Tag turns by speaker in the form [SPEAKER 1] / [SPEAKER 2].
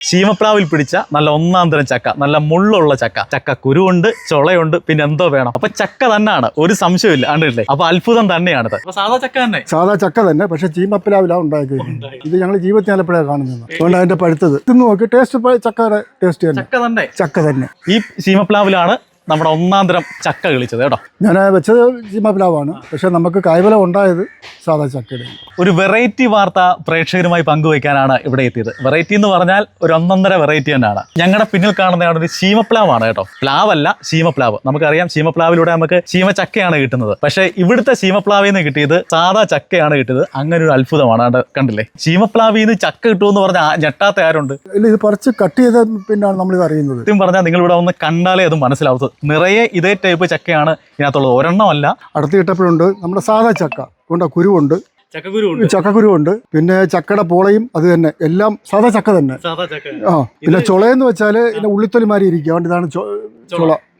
[SPEAKER 1] ശീമപ്ലാവിൽ പിടിച്ച നല്ല ഒന്നാം തരം ചക്ക, നല്ല മുള്ളുള്ള ചക്ക. ചക്ക കുരുവുണ്ട്, ചുളയുണ്ട്, പിന്നെ എന്തോ വേണം. അപ്പൊ ചക്ക തന്നെയാണ്, ഒരു സംശയമില്ല. കണ്ടില്ലേ? അപ്പൊ അത്ഭുതം തന്നെയാണിത്. അപ്പൊ സാധാ ചക്ക തന്നെ,
[SPEAKER 2] സാധാ ചക്ക തന്നെ, പക്ഷെ ചീമപ്ലാവിലാണ് ഉണ്ടാക്കിയിരിക്കുന്നത്. ഇത് ഞങ്ങൾ ജീവിതത്തിൽ എപ്പോഴാണ് കാണുന്നത്. അതുകൊണ്ട് അതിന്റെ പഴുത്തത് തിന്ന് നോക്കി ടേസ്റ്റ് ചക്കയുടെ ടേസ്റ്റ് തന്നെ. ചക്ക തന്നെ.
[SPEAKER 1] ഈ ശീമപ്ലാവിലാണ് നമ്മുടെ ഒന്നാം തരം ചക്ക കളിച്ചത് കേട്ടോ.
[SPEAKER 2] ഞാൻ വെച്ചത് ചീമപ്ലാവാണ്, പക്ഷെ നമുക്ക് കായ്ഫലം ഉണ്ടായത് സാധാ ചക്കയുടെ.
[SPEAKER 1] ഒരു വെറൈറ്റി വാർത്ത പ്രേക്ഷകരുമായി പങ്കുവയ്ക്കാനാണ് ഇവിടെ എത്തിയത്. വെറൈറ്റി എന്ന് പറഞ്ഞാൽ ഒരു ഒന്നൊന്നര വെറൈറ്റി തന്നെയാണ്. ഞങ്ങളുടെ പിന്നിൽ കാണുന്നതാണ് ഒരു ശീമപ്ലാവാണ് കേട്ടോ. പ്ലാവല്ല, ശീമപ്ലാവ്. നമുക്കറിയാം ശീമപ്ലാവിലൂടെ നമുക്ക് ശീമച്ചക്കയാണ് കിട്ടുന്നത്. പക്ഷേ ഇവിടുത്തെ ശീമപ്ലാവിൽ നിന്ന് കിട്ടിയത് സാധാ ചക്കയാണ് കിട്ടിയത്. അങ്ങനെ ഒരു അത്ഭുതമാണ്. അത് കണ്ടില്ലേ? ശീമപ്ലാവിൽ നിന്ന് ചക്ക കിട്ടുമെന്ന് പറഞ്ഞാൽ ഞെട്ടാത്ത ആരുണ്ട്?
[SPEAKER 2] ഇല്ല, ഇത് പറിച്ച് കട്ട് ചെയ്ത പിന്നാണ് നമ്മളിത് അറിയുന്നത്.
[SPEAKER 1] സത്യം പറഞ്ഞാൽ നിങ്ങൾ ഇവിടെ ഒന്ന് കണ്ടാലേ അത് മനസ്സിലാവും. നിറയെ ഇതേ ടൈപ്പ് ചക്കയാണ് ഇതിനകത്തുള്ളത്, ഒരെണ്ണമല്ല.
[SPEAKER 2] അടുത്ത് കിട്ടപ്പോഴുണ്ട് നമ്മുടെ സാധാ ചക്ക കൊണ്ട് കുരുവുണ്ട്, ചക്കക്കുരുവുണ്ട്, പിന്നെ ചക്കയുടെ പോളയും അത് തന്നെ, എല്ലാം സാധാ ചക്ക തന്നെ. പിന്നെ ചുളയെന്ന് വെച്ചാൽ ഇതിന്റെ ഉള്ളിത്തൊലി മാറി ഇരിക്കുക. അതുകൊണ്ട് ഇതാണ് ചുള.